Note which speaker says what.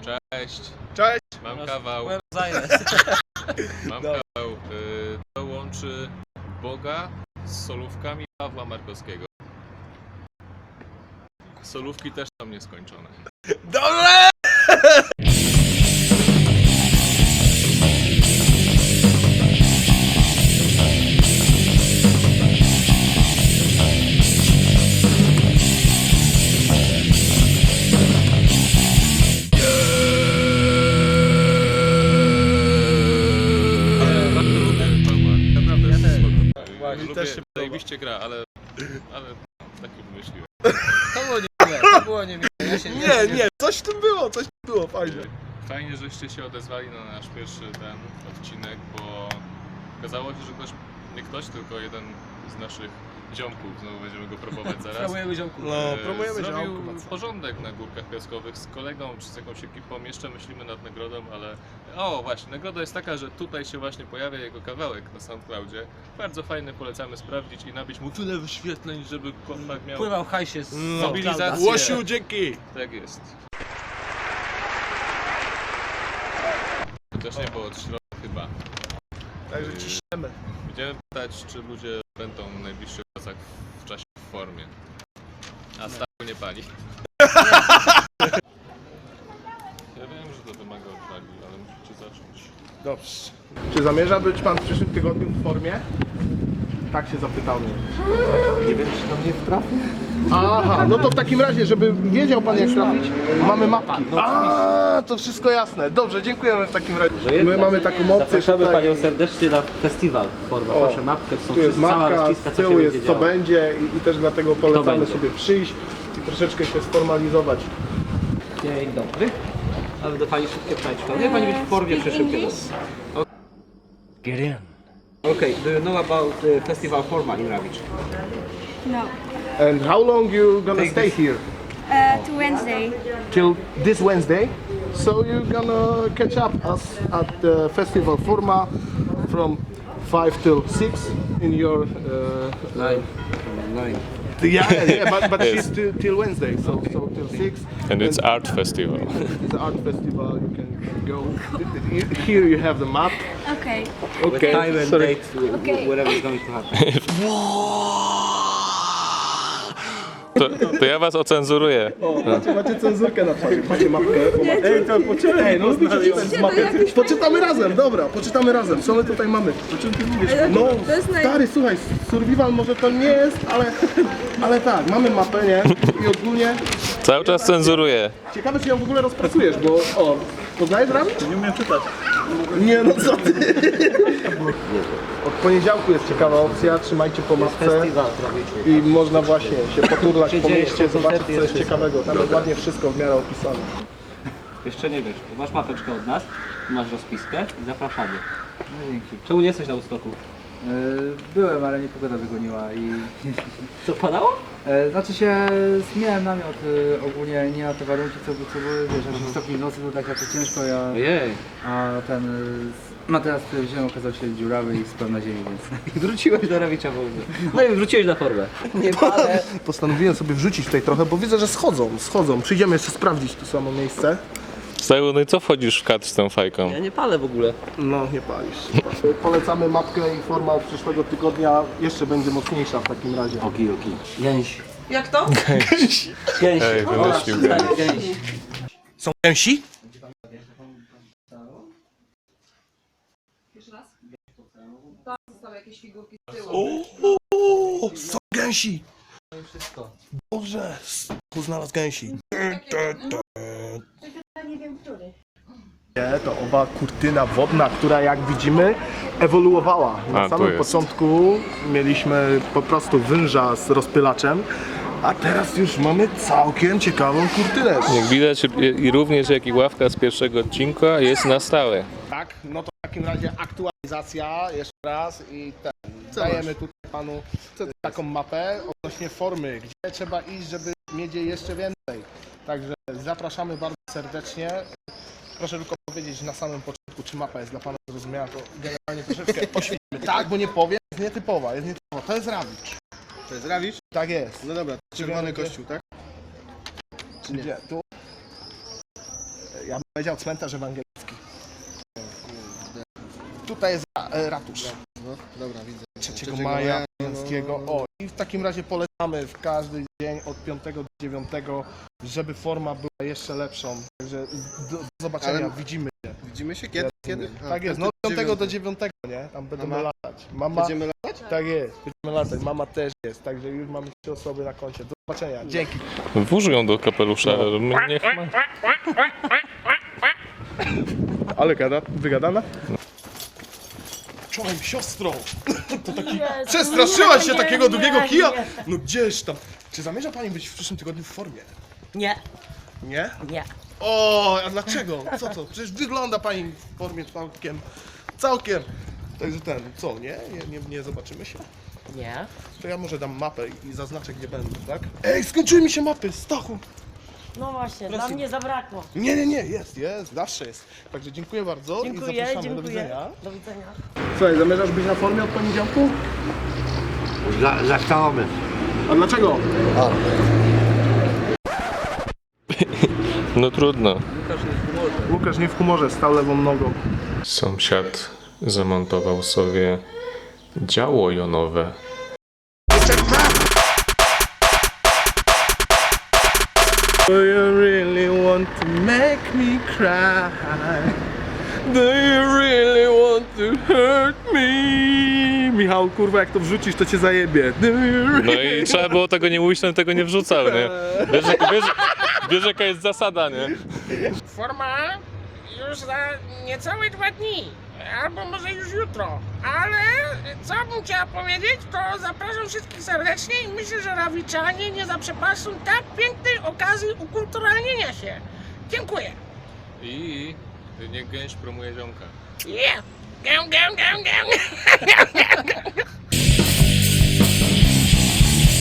Speaker 1: Cześć.
Speaker 2: Cześć.
Speaker 1: Mam kawał. Mam kawał. To łączy Boga z solówkami Pawła Markowskiego. Solówki też są nieskończone.
Speaker 2: Dobre!
Speaker 1: Lubię, zajebiście gra, ale tak nie wymyśliłem.
Speaker 3: To było niemiłe.
Speaker 2: Nie, coś w tym było, fajnie.
Speaker 1: Fajnie, żeście się odezwali na nasz pierwszy ten odcinek, bo okazało się, że nie ktoś, tylko jeden z naszych ziomków, znowu będziemy go próbować zaraz.
Speaker 3: Promujemy ziomku.
Speaker 2: No, promujemy
Speaker 1: zrobił
Speaker 2: ziomków.
Speaker 1: porządek na Górkach Piaskowych z kolegą czy z jakąś ekipą. Jeszcze myślimy nad nagrodą, ale... O właśnie, nagroda jest taka, że tutaj się właśnie pojawia jego kawałek na SoundCloudzie. Bardzo fajny, polecamy sprawdzić i nabić mu tyle wyświetleń, żeby chłopak miał
Speaker 3: Pływał hajsie z
Speaker 1: mobilizację.
Speaker 2: Łosiu, dzięki!
Speaker 1: Tak jest. Chociaż nie było od środka chyba.
Speaker 2: Także ciśniemy.
Speaker 1: Będziemy pytać, czy ludzie będą w najbliższych czasach w czasie w formie. A Stachu nie pali. Ja wiem, że to wymaga odwagi, ale musicie zacząć.
Speaker 2: Dobrze. Czy zamierza być pan w przyszłym tygodniu w formie? Tak się zapytał mnie.
Speaker 3: Nie wiem, czy do mnie wtrafi.
Speaker 2: Aha, no to w takim razie, żeby wiedział pan jak trafić, mamy mapki. A, to wszystko jasne. Dobrze, dziękujemy w takim razie. My mamy taką opcję.
Speaker 4: Zapraszamy
Speaker 2: tutaj.
Speaker 4: Panią serdecznie na festiwal. Forma, proszę mapkę, są
Speaker 2: Tu jest
Speaker 4: cała
Speaker 2: mapka,
Speaker 4: rozpiska,
Speaker 2: z
Speaker 4: co się
Speaker 2: tyłu
Speaker 4: będzie
Speaker 2: jest co
Speaker 4: działo.
Speaker 2: będzie i też dlatego polecamy
Speaker 4: będzie.
Speaker 2: sobie przyjść i troszeczkę się sformalizować.
Speaker 4: Dzień dobry. Ale do Pani szybkie pytanie. Nie Pani być w formie przy szybkie.
Speaker 3: Get in.
Speaker 4: Okay, do you know about the festival Forma in Rawicz?
Speaker 5: No.
Speaker 2: And how long you gonna stay here?
Speaker 5: To Wednesday.
Speaker 2: Till this Wednesday. So you're gonna catch up us at the festival Forma from 5 till 6 in your
Speaker 4: Nine.
Speaker 2: yeah, but
Speaker 1: Yes.
Speaker 2: she's till Wednesday, so till 6.
Speaker 1: And it's art festival.
Speaker 2: It's an art festival. You can go. Here you have the map.
Speaker 5: Okay.
Speaker 4: With time and
Speaker 2: sorry.
Speaker 4: date,
Speaker 5: Okay.
Speaker 4: whatever is going to happen.
Speaker 1: To ja was ocenzuruję.
Speaker 2: Macie cenzurkę na twarzy, macie mapkę. Ej, to poczytaj. Ej, no poczytamy razem, dobra, poczytamy razem. Co my tutaj mamy? O czym ty mówisz? No,
Speaker 5: to jest
Speaker 2: stary, słuchaj, survival może to nie jest, ale tak, mamy mapę, nie? I ogólnie
Speaker 1: Cały czas cenzuruję.
Speaker 2: ciekawe, czy ją w ogóle rozpracujesz, bo poznajesz Rawicz? Nie umiem czytać. Nie, no co ty? Od poniedziałku jest ciekawa opcja, trzymajcie po mapce.
Speaker 4: Festiwal w Rawiczu.
Speaker 2: I można właśnie się poturlać po
Speaker 4: dzieje,
Speaker 2: mieście,
Speaker 4: są
Speaker 2: zobaczyć
Speaker 4: koncerty,
Speaker 2: co jest
Speaker 4: jest
Speaker 2: ciekawego. Tam jest ładnie wszystko w miarę opisane.
Speaker 4: Jeszcze nie wiesz, masz mapeczkę od nas, masz rozpiskę i zapraszamy.
Speaker 6: No dzięki.
Speaker 4: Czemu nie jesteś na Woodstocku?
Speaker 6: Byłem, ale nie pogoda wygoniła i...
Speaker 4: Co, padało?
Speaker 6: Znaczy się, zmieniałem namiot ogólnie nie na te warunki, co były, wiesz, że w stopniu nocy było tak jakoś ciężko,
Speaker 4: Ojej.
Speaker 6: a ten materac, który wziąłem, okazał się dziurawy i spał na ziemi, więc...
Speaker 4: Wróciłeś do Rawicza w ogóle. No i wróciłeś na formę. Nie palę.
Speaker 2: Postanowiłem sobie wrzucić tutaj trochę, bo widzę, że schodzą. Przyjdziemy jeszcze sprawdzić to samo miejsce.
Speaker 1: Stachu, no i co wchodzisz w kadr z tą fajką?
Speaker 4: Ja nie palę w ogóle.
Speaker 2: No, nie palisz. Polecamy mapkę i forma od przyszłego tygodnia jeszcze będzie mocniejsza w takim razie.
Speaker 4: Oki. Gęś.
Speaker 7: Jak to?
Speaker 4: Gęś.
Speaker 1: Ej, wymyślił go.
Speaker 4: Gęś.
Speaker 2: Są gęsi?
Speaker 7: Jeszcze raz? Tam zostały jakieś figurki z tyłu.
Speaker 2: O, są gęsi!
Speaker 4: Wszystko.
Speaker 2: Boże, znalazł gęsi.
Speaker 5: Nie wiem, który.
Speaker 2: To owa kurtyna wodna, która jak widzimy ewoluowała. Na
Speaker 1: tu
Speaker 2: samym
Speaker 1: jest.
Speaker 2: początku mieliśmy po prostu węża z rozpylaczem, a teraz już mamy całkiem ciekawą kurtynę.
Speaker 1: Jak widać i również jak i ławka z pierwszego odcinka jest na stałe.
Speaker 2: Tak, no to w takim razie aktualizacja jeszcze raz i dajemy tutaj panu taką mapę odnośnie formy, gdzie trzeba iść, żeby mieć jej jeszcze więcej. Także zapraszamy bardzo serdecznie. Proszę tylko powiedzieć na samym początku, czy mapa jest dla pana zrozumiała, to generalnie troszeczkę oświetlimy. Tak, bo nie powiem, jest nietypowa, To jest Rawicz.
Speaker 8: To jest Rawicz?
Speaker 2: Tak jest.
Speaker 8: No dobra, czerwony kościół, tak?
Speaker 2: Czy nie? Tu? ja bym powiedział cmentarz ewangelicki. Tutaj jest ratusz.
Speaker 8: No, dobra, widzę.
Speaker 2: 3 maja Pańskiego. O, i w takim razie polecamy w każdy dzień od 5 do 9, żeby forma była jeszcze lepszą. Także do zobaczenia,
Speaker 8: Ale
Speaker 2: widzimy się.
Speaker 8: Widzimy się kiedy? Kiedy? A,
Speaker 2: Tak jest, no od 5 do 9, nie? Tam będziemy latać. Mama,
Speaker 8: Będziemy latać?
Speaker 2: tak jest, będziemy latać. Mama też jest, także już mamy 3 osoby na koncie. Do zobaczenia, dzięki.
Speaker 1: Włóż ją do kapelusza, niech ma.
Speaker 2: Ale wygadana? Czołem, siostro! To taki... Przestraszyłaś się takiego długiego kija? No gdzież tam. Czy zamierza pani być w przyszłym tygodniu w formie?
Speaker 9: Nie,
Speaker 2: Nie?
Speaker 9: nie.
Speaker 2: O, a dlaczego? Co to? Przecież wygląda pani w formie całkiem. Także co, nie zobaczymy się?
Speaker 9: Nie.
Speaker 2: To ja może dam mapę i zaznaczę, gdzie będę, tak? Ej, skończyły mi się mapy, Stachu!
Speaker 9: No właśnie,
Speaker 2: Proszę.
Speaker 9: dla mnie zabrakło.
Speaker 2: Nie, jest, zawsze jest. Także dziękuję bardzo i
Speaker 9: Dziękuję,
Speaker 2: zapraszamy,
Speaker 9: dziękuję.
Speaker 2: do widzenia.
Speaker 9: Do widzenia.
Speaker 2: Słuchaj, zamierzasz być na formie od poniedziałku?
Speaker 3: Zaczynamy.
Speaker 2: A dlaczego?
Speaker 1: No trudno.
Speaker 2: Łukasz nie w humorze, stał lewą nogą.
Speaker 1: Sąsiad zamontował sobie działo jonowe.
Speaker 2: Do you really want to make me cry? Do you really want to hurt me? Michał, kurwa, jak to wrzucisz, to cię zajebie. Do you really...
Speaker 1: No i trzeba było tego nie mówić, to tego nie wrzucał, nie? Wiesz jaka jest zasada, nie?
Speaker 10: Forma już za niecałe 2 dni, albo może już jutro. Ale co bym chciała powiedzieć, to zapraszam wszystkich serdecznie i myślę, że Rawiczanie nie zaprzepaszczą tak pięknej okazji ukulturalnienia się. Dziękuję.
Speaker 1: I niech gęś promuje ziomka.
Speaker 10: Yeah! Gę, gę, gę, gę.